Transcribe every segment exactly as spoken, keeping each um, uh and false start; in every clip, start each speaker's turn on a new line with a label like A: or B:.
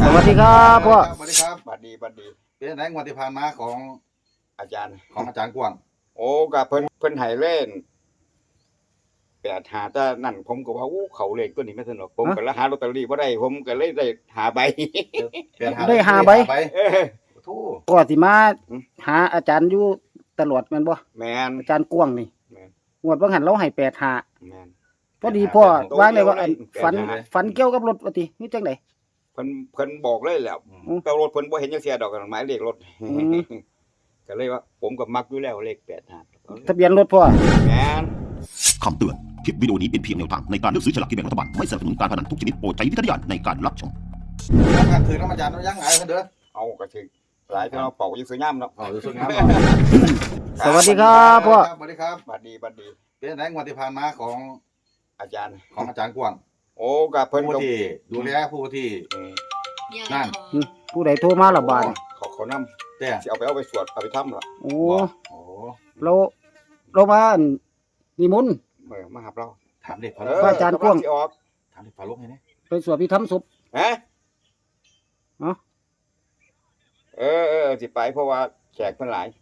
A: สวัสดีครับพ่อ
B: สวัสดีครับบัดดีบัดดีเป็นไหนงวดที่ผ่านมาของ
C: อาจารย์
B: ของอาจารย์กวาง
C: โอ้กับเพิ่นเพิ่นให้เล่นแปดหาแต่นั่นผมก็ว่าโอ้เขาเลขตัวนี้ไม่สนุกผมก็ละหาลอตเตอรี่บ่ได้ผมก็เลยได้หาใบ
A: ได้หาใบ
C: เออ
B: ทู่
A: พ่อสิมาหาอาจารย์อยู่ตลอดแม่นบ่
C: แม่น
A: อาจารย์กวางนี่
C: แม่น
A: งวดบ่หันเราให้แปดหา
C: แม่น
A: พอดีพ่อว่าเลยว่าฝันฝันเกี่ยวกับรถว่าตินี่จังได๋
C: เพิ่นเพิ่นบอกเลยแหล้วแต่รถเพิ่นบ่เห็นจังเสียดอกหมายเลขรถก็เลยว่าผมก็มักอยู่แล้วเลขแปดหา
A: ทะเบียนรถพ่อ
C: แม่น
D: คำเตือนคลิปวิดีโอนี้เป็นเพียงแนวทางในการเลือกซื้อฉลากกินแบ่งรัฐบาลไม่สนับสนุนการพนันทุกชนิดโปรดใช้วิจารณญาณในการรับชม
B: แล้วการถือน้ำอาจารย์ยังไงเพิ่นเด้อ
C: เอาก็ถึงหลายที่เราเป่าอยู่สวยงามเนาะ
B: เอาสวยงาม
A: สวัสดีครับพ่อ
B: สวัสดีครับ
C: บัดดีบัดดี
B: เป็นไหนงวดที่ผ่านมาของ
C: อาจารย์
B: ของอาจารย์กวาง
C: โอ้กับเพิ่น
B: ผู้ที่ดูแลผู้ที่นั่น
A: ผู้ใดโทรมาล่ะบาด
C: เขาเขานำ
B: แต่
C: สิเอาไปเอาไปสวดเอาไปทำล่ะ
A: โอ้
B: โอ้
A: เราเรามานิมนต์
C: เออมาหาเรา
B: ถามเด็กพ
A: ระอาจารย์กวาง
B: ถามเด็กพาลกให้แน่
A: ไปสวดพิธรรมศพ
C: ฮะเนาะเออเออสิไปเพราะว่าแขกเพิ่นหลาย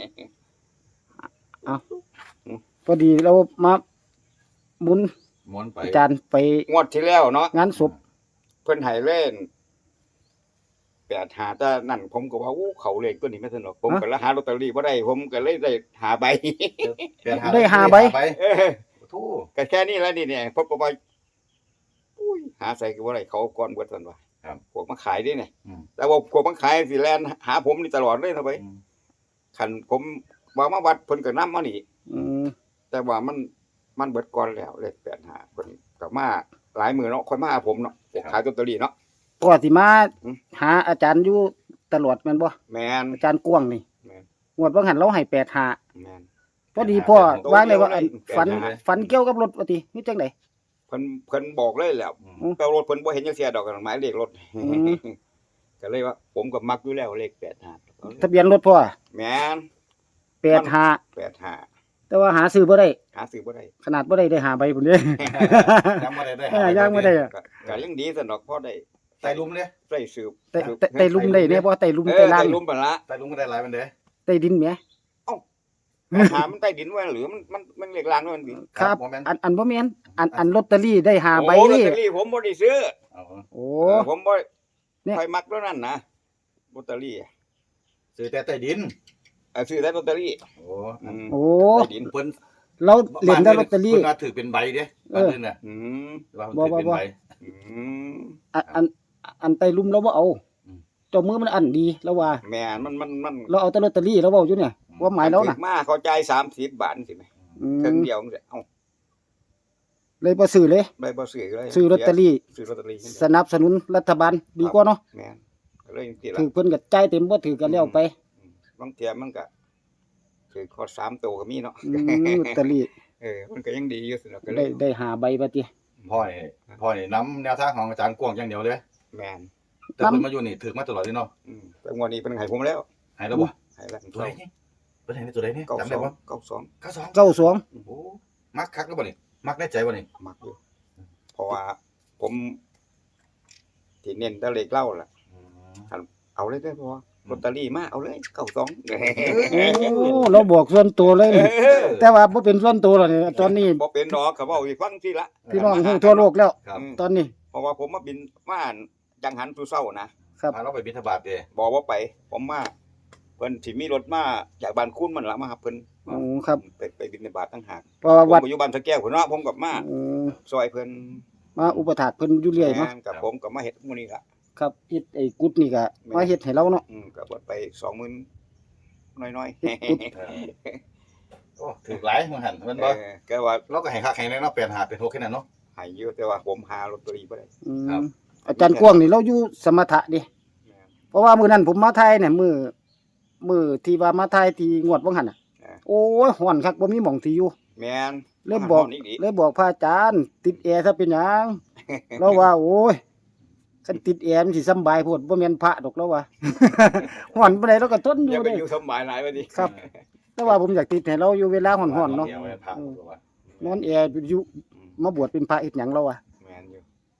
A: เอ้าพอดีเรามามุน
B: มุนไป
A: อาจารย์ไป
C: งวดที่แล้วเนาะ
A: งานศพ
C: เพิ่นให้เล่นแปดหาแต่นั่นผมก็ว่าโอ้เขาเลขตัวนี้ไม่สนุกผมก็ละหาลอตเตอรี่บ่ได้ผมก็เลยได้หาใบ
A: ได้หาใบ
C: เออทู่ก็แค่นี้แล้วนี่เนี่ยพบก็ว่าอุ้ยหาใส่ก็บ่ได้เขาก่อนเบิดซั่นว่าครับพวกมาขายดิเนี่ยแต่ว่าพวกมาขายสิแล่นหาผมนี่ตลอดเลยเนาะไปคันผมว่ามาวัดเพิ่นก็นำมานี่
A: อือ
C: แต่ว่ามันมันเบิดก่อนแล้วเลขแปดหาเพิ่นก็มาหลายมื้อเนาะค่อยมาหาผมเนาะขายลอตเตอรี่เนาะ
A: พ่อสิมาหาอาจารย์อยู่ตลอดแม่นบ่
C: แม่น
A: อาจารย์กวางนี่
C: แม่น
A: งวดบ่หันเราให้แปดหา
C: แม่น
A: พอดีพ่อว่าเลยว่าฝันฝันเกี่ยวกับรถว่าตินี่จังได๋
C: เพิ่นเพิ่นบอกเลยแหล้วแต่รถเพิ่นบ่เห็นจังเสียดอกหมายเลขรถก็เลยว่าผมก็มักอยู่แล้วเลขแปดหา
A: ทะเบียนรถพ่อ
C: แม่น
A: แปดหา
C: แปดหา
A: แต่ว่าหาซื้อบ่ได้
C: หาซื้อบ่ได้
A: ขนาดบ่ได้ได้หาใบพุ่นเด้
B: ยังบ่ได้ได้
A: ยังบ่ได้
C: ก็ยังดีซะดอกพอได้
B: ไต่ลุมเด้
C: ไต่สืบ
A: ไต่ไต่ลุมได้แน่บ่ไต่ลุมไต่ล่าง
C: ไต่ลุมบัดละ
B: ไต่ลุมก็ได้หลายมันเด้
A: ไต่ดินแหม
C: เอ้าหามันใต้ดินว่าหรือมันมันมันเลขล่างมัน
A: ครับอันอันบ่แม่นอันอันลอตเตอรี่ได้หาใบนี่
C: ลอตเตอรี่ผมบ่ได้ซื้อ
A: โอ้
C: ผมบ่ค่อยมักแล้วนั่นนะลอตเตอรี่
B: ซื้อแต่ใต้ดิน
C: เออซื้อแต่ลอตเตอรี่
B: โอ้
A: โอ้
C: ใต้ดิน
B: เพิ่น
A: เราเล่นได้ลอตเตอรี่
B: เพิ่นว่าถือเป็นใบเด้อันนึงน่ะ
C: อืม
A: บ่บ่บ่
C: อืม
A: อันอันอันไต่ลุมเราบ่เอาเจ้ามือมันอันดีแล้วว่า
C: แม่นมันมันมัน
A: เราเอาแต่ลอตเตอรี่เราเว้าอยู่เนี่ยว่าหมายแล้วน่ะ
C: มาเขาจ่ายสามสิบบาทสิแม่ครึ่งเดียวจังซี่เอ้า
A: เลยบ่ซื้อเลย
C: เลยบ่ซื้อเลย
A: ซื้อลอตเตอรี่
C: ซื้อลอตเตอรี่
A: สนับสนุนรัฐบาลดีกว่าเนาะ
C: แม่นก็เลยจังซี่ล่ะ
A: ถือเพิ่นก็จ่ายเต็มบ่ถือก็แล้วไป
C: บางเที่ยมันก็ถือคอสามตัวก็มีเนาะ
A: ลอตเตอรี่
C: เออมันก็ยังดีอยู่สิเนาะก็
A: เลยได้ได้หาใบบัดติ
B: พ่อนี่พ่อนี่นำแนวทางของอาจารย์กวางอย่างเดียวเลย
C: แม่น
B: แต่เพิ่นมาอยู่นี่ถือมาตลอดเลยเนาะ
C: อืมแต่งวดนี้เพิ่นให้ผมแล้ว
B: ให้แล้วบ่
C: ให้แล้ว
B: ตัวไหนเพิ่นให้ตัวใดนี่จำได้บ่
C: เก้าสอง
B: เก้าสอง
A: เก้าสอง
B: โอ้มักคักแล้วบ่นี่มักในใจบ่นี่
C: มักอยู่เพราะว่าผมที่เน้นแต่เลขเล่าล่ะเอาเลยได้บ่ลอตเตอรี่มาเอาเลยเก้าสอง
A: โอ้เราบอกส่วนตัวเลยแต่ว่าบ่เป็นส่วนตัวแล้วนี่ตอนนี้
C: บ่เป็นดอกก็เว้าให้ฟังสิล่ะ
A: พี่น้องฮู้ทั่วโลกแล้วตอนนี้
C: เพราะว่าผมมาบินมาจังหันสู่เช้านะครับ
B: มาเราไปบิณฑบาตเด้
C: บ่บ่ไปผมมาเพิ่นสิมีรถมาจากบ้านคุ้นมันล่ะมารับเพิ่น
A: อ๋อครับ
C: ไปไปบิณฑบาตต่างหาก
A: เพราะว่าวัด
C: อยู่บ้านสะแก้วพุ่นเนาะผมก็มา
A: อือ
C: ซอยเพิ่น
A: มาอุปถากเพิ่นอยู่เรื่อยเนาะ
C: กับผมก็มาเฮ็ดมื้อนี้ล่ะ
A: ครับเฮ็ดไอ้กุดนี่ก็มาเฮ็ดให้เราเนาะ
C: อืมก็เบิดไป สองหมื่น น้อย
B: ๆโอ้ถูกหลายมื้อหั่นแม่นบ่
C: ก็ว่า
B: เราก็ให้คักให้แน่เนาะแปดห้าเป็นหกแค่นั้นเนาะ
C: ให้อยู่แต่ว่าผมหาลอตเตอรี่บ่ได้
A: ครับอาจารย์กวางนี่เราอยู่สมถะดิเพราะว่ามื้อนั้นผมมาไทยเนี่ยมื้อมื้อที่ว่ามาไทยที่งวดบ่หั่นน่ะโอ้ยร้อนคักบ่มีหม่องที่อยู่
C: แม่น
A: เลยบอกเลยบอกพระอาจารย์ติดแอร์ซะเป็นหยังเราว่าโอ้ยคันติดแอร์มันสิสบายโพดบ่แม่นพระดอกแล้วว่าร้อนปานใดเราก็ทนอยู่
C: เด้อยู่สบายหลายบัดนี้
A: ครับแต่ว่าผมอยากติดให้เราอยู่เวลาร้อนๆเนาะนอนแอร์อยู่มาบวชเป็นพระเฮ็ดหยังเราอ่ะ
C: แม่นอยู่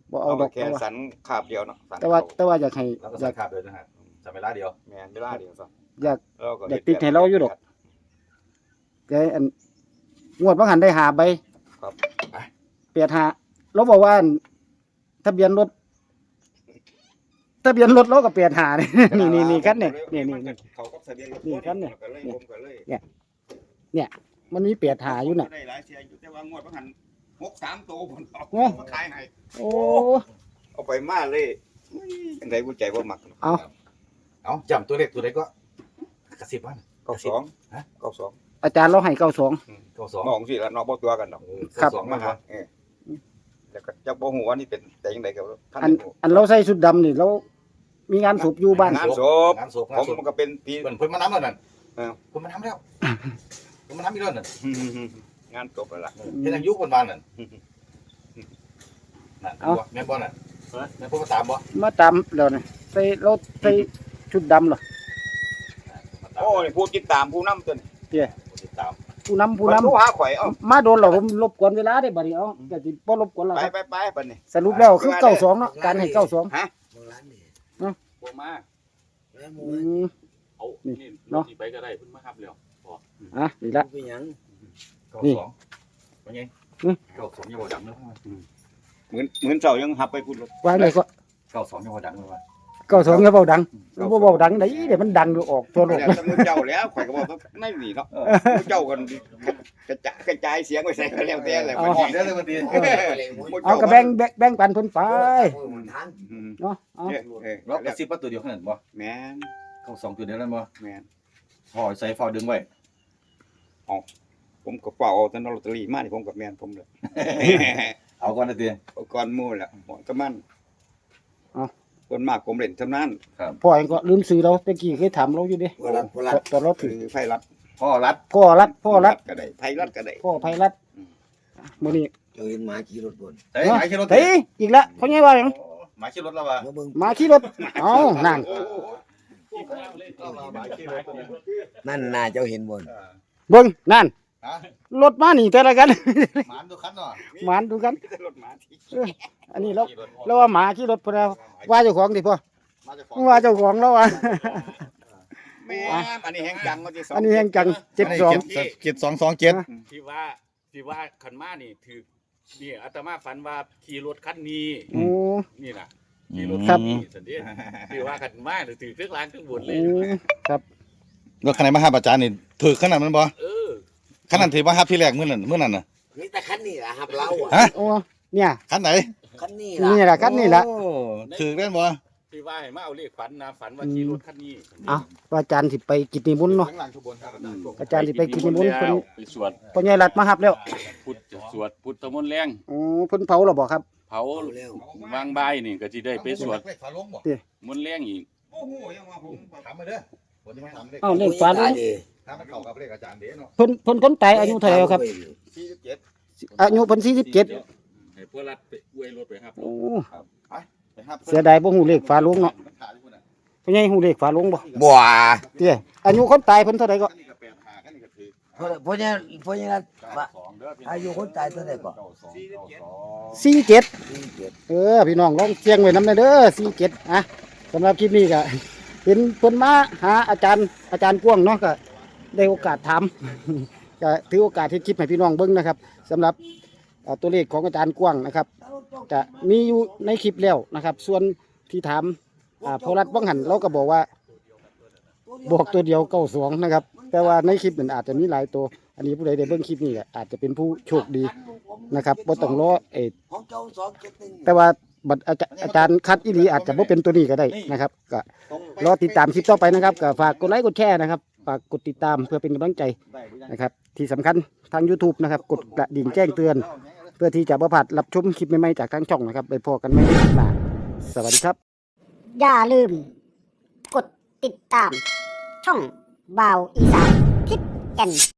A: บ่เอา
C: เอา
A: ดอก
C: แค่
A: เอาว่า
C: สันขาบเดียวเนาะสัน
A: แต่ว่าแต่ว่าอยากให้
B: แล้วก็
A: อ
B: สั
A: ยาง ก
B: ขาดเลยนะฮะจำเวลาเดียว
C: แม่นเวลาเดียวซะ
A: อยาก
C: เราก็
A: อยากติดให้เราอยู่ดอก แกอันงวดบ่หันได้หาใบ
C: ครับ
A: เปียดหาเราบอกว่าอันทะเบียนรถทะเบียนรถเราก็เปียดหานี่ นี่นี่นี่คันนี่นี่นี่นี่
C: เขาก็ทะเบียนรถ
A: นี่คันนี่
C: ก็เลยผมก็เลย
A: มันมีเปียดหาอยู่น่ะ
C: ได้หลายเสียอยู่แต่ว่างวดบ่หันหกสามตัวผมเอา
A: โอ้
C: มาขายให้
A: โอ้
C: เอาไปมาเลยจังไดบ่ใจบ่มัก
A: เอา
B: เอาจำตัวเลขตัวใดก็กระสิบวัน
C: เก้าสอง
B: ฮะ
C: เก้าสอง
A: อาจารย์เราให้เก้าสอง
B: เก้าสอง
C: มองสิละเนาะบ่ตัวกันดอก
A: ครับ
B: เก้าสอง
C: มา
B: มา
C: หา
B: หา
C: เออแล้วก็จักบ่ฮู้ว่านี่เป็นแต่จังไดก็ท่าน
A: อัน
C: บ่ฮู้
A: อันเราใส่ชุดดำนี่เรามีงานศพอยู่บ้าน
C: งานศพ
B: งานศพ
C: ผ
B: งาน
C: ม
B: ศพ
C: มันก็เป็นปี
B: เพิ่นเพิ่นมาน้ำแล้วนั่น
C: เออ
B: เพิ่นมาน้ำแล้วเพิ่นมาน้ำอีกแล้วนั่น
C: งานศพนั่นล่ะ
B: เฮ็ดหยังอยู่เพิ่นว่านั่นนั่นแม่นบ่นั่นแม่นเพิ่นมาตามบ่
A: มาตามแล้วนี่ใส่เราใส่ชุดดำเหรอ
C: โอ้นี่ผู้ติดตามผู้นำตัวนี้
B: ติดตาม
A: ผู้นำผู้
C: ผู้
A: นำ
C: นำหาข่อยเอ้า
A: มาโดนเราผมรบกวนเวลาได้บัดนี้เอาก็สิบ่รบกวนแล้ว
C: ไป
A: ครับ
C: ไปไปบัดนี้
A: สรุปแล้วคือเก้าสองเนาะการให้เก้าสอง
C: ฮะ
E: บางร้านนี่
B: บ่มา
E: แล้วหมู
A: อืม
B: เอา
A: นี่
B: นี่
A: เนาะ
B: สิไปก็ได้เพิ่นมาครับแล้ว
A: อ่ะนี่ละ
E: เป็นหยัง
B: เก้า
A: นี่
B: สองเป็นไง
A: อืม
B: เก้าสองยังบ่ดังเลย
C: เหมือนเหมือนเจ้ายังหับไปพูดรถ
A: วางเลยก็
B: เก้าสองยังบ่ดังเลยว่า
A: เก้าสองก็เบาดังบ่เบาดังได้เดี๋ยวมันดังอยู่ออกทั่วโลก
C: แล้วมือเจ้าแล้วข่อยก็บอกว่าไม่หนีเนาะมือเจ้ากันกระจายกระจายเสียงไปใส่ก็แล้วแต่แหละ
B: หอดได้เลยวันดี
A: เอาก็แบ่งแบ่งแบ่งปันเพิ่นไป
E: ทัน
C: อืม
A: เนาะเอา
C: เออเออ
B: แล้วกระซิบว่าตัวเดียวขนาดบ่
C: แม่น
B: เก้าสองตัวเดียวนั่นบ่
C: แม่น
B: ห่อใส่ฟาวดึงไว้
C: ผมก็เป่าเอาแต่ลอตเตอรี่มานี่ผมกับแม่นผมเลย
B: เอาก่อนนะตี
C: เอาก่อนหมู่แหละหมอนก็มันคนมากผมเล่นเท่านั้น
A: พ่อเองก็ลืมซื้อเราตะกี้เคยถามเราอยู่เด้
E: โบราณโบราณ
A: ตอนเรา
C: คื
A: ถือ
C: อไฟรัด
B: พ่อรัด
A: พ่อรัดพ่อรัด
C: ก็ได้ไฟรัดก็ได้
A: พ่อไผรัดมื้อนี้
E: เจ้าเห็นหมาขี่รถบน
B: เฮ้ยหมายขี่รถ
A: เฮ้ยอีกแล้วเขาใหญ่ว่าหยัง
B: หมายขี่รถแล้วว่ะ
E: มาเบิ่ง
A: มาขี่รถเอ้านั่น
E: นั่นน่าเจ้าเห็นบน
A: เบิ่งนั่น
B: ฮะ
A: รถมานี่แต่ละกัน
B: หมานดูคันเนาะ
A: หมานดูกัน
C: รถหมาที่
A: อันนี้เราเราว่าหมาขี่รถพุ่นน่ะว่าเจ้าของดิพ่อ
B: มาจาก
A: ว่าเจ้าของแล้วว่า
C: แม่นอันนี้แห้งจังว่าที่สอง
A: อันนี้แห่งจังเจ็ดสอง
B: เจ็ดสองสองเจ็ด
F: ที่ว่าที่ว่าขันมานี่ถือนี่อาตมาฝันว่าขี่รถคันนี้
A: โอ้
F: นี่น่ะขี่รถ
A: ครั
F: คั
A: บ
F: นนี้สันเดียที่ว่าขันมานี่ถือเครื่องรางเครื่องบนเลย
A: โอ้ครับ
G: รถคันไหนมาหาอาจารย์นี่ถือขนาดนั้นบ่
F: เออ
G: ขนาดที่มาหาพี่แรกมื้อนั้นมื้อนั้นน่ะ
E: นี่แต่คันนี้ล่ะครับเราอ่ะ
G: ฮะ
A: โอ้เนี่ย
G: คันไหน
E: คันนี้
A: นี่
E: ล่ะ
A: แหละครับนี่แหละ
G: โอ้ถือได้บ่
F: ที่ว่าให้มาเอาเลขฝันนะฝันว่าขี่รถคันนี้
A: เอาว่าอาจารย์สิไปกิจนิมนต์เนาะ
B: ข้างหลังขบวนครับ
A: อาจารย์สิไปกิจนิมนต์เพิ่น
F: ไปสวด
A: พ่อใหญ่รัดมารับแล้ว
F: พุทธสวดพุทธมนต์แรง
A: โอ้เพิ่นเผาแล้วบ่ครับ
F: เผา
E: เอาแล้ว
F: วางบายนี่ก็สิได้ไปสวด
B: เลขฝาลงบ่
F: มนต์แรงอีก
C: โอ้โหยังว่าผม
B: ถามมาเด้อผมจะมาถามเลข
A: เอ้าเลขฟ้าลุง
B: ถามมันเข้ากับเลขอาจารย์เด้เนาะ
A: เพิ่นเพิ่นคนตายอายุเท่าไหร่แล้วครับ
C: สี่สิบเจ็ด
A: อายุเพิ่นสี่สิบเจ็ด
F: ให้พวกรัดไปอวยรถไปครับ
A: โอ้
B: ไปครับ
A: เสียดายบ่ฮู้เลขฟ้าลุงเนาะ
B: มันขาดอยู่พุ่นน่ะ
A: พ่อใหญ่ฮู้เลขฟ้าลุงบ่
E: บัว
A: เตี้ยอายุคนตายเพิ่นเท่าไหร่ก็
B: อันนี้ก็แปดห้าอันนี้ก็ถือ
E: เพราะเพราะเนี่ยเพราะเนี่ย
B: เก้าสองเด้อพี่น้ง
E: อายุคนตายเท่าไหร่ก่อน
B: เก้าสองเก้าสอง
A: สี่เจ็ด
E: สี่เจ็ด
A: เออพี่น้องลองเสียงไว้นำเด้อสี่เจ็ดอ่ะสำหรับคลิปนี้ก็เห็นเพิ่นมาหาอาจารย์อาจารย์กวางเนาะก็ได้โอกาสถาม ก็ถือโอกาสที่คลิปให้พี่น้องเบิ่งนะครับสำหรับเอ่อตัวเลขของอาจารย์กวางนะครับ จะมีอยู่ในคลิปแล้วนะครับ ส่วนที่ถามอ่าพอรัฐวังหันเราก็บอกว่าบอกตัวเดียวเก้าสองนะครับ แต่ว่าในคลิปนั้นอาจจะมีหลายตัว อันนี้ผู้ใดได้เบิ่งคลิปนี้ก็อาจจะเป็นผู้โชคดีนะครับบ่ต้องรอเออ
E: ของเจ้าสองเจ็ดหนึ่ง
A: แต่ว่าบัดอาจารย์อาจารย์คัดอีหลีอาจจะบ่เป็นตัวนี้ก็ได้นะครับก็รอติดตามคลิปต่อไปนะครับก็ฝากกดไลค์กดแชร์นะครับฝากกดติดตามเพื่อเป็นกำลังใจนะครับ ที่สำคัญทาง YouTube นะครับกดกระดิ่งแจ้งเตือน เพื่อที่จะบ่พลาดรับชมคลิปใหม่ๆจากทางช่องนะครับไปพอกันใหม่ในคลิปหน้าสวัสดีครับ
H: อย่าลืม กดติดตาม ช่องบ่าวอีสานทิศแก่น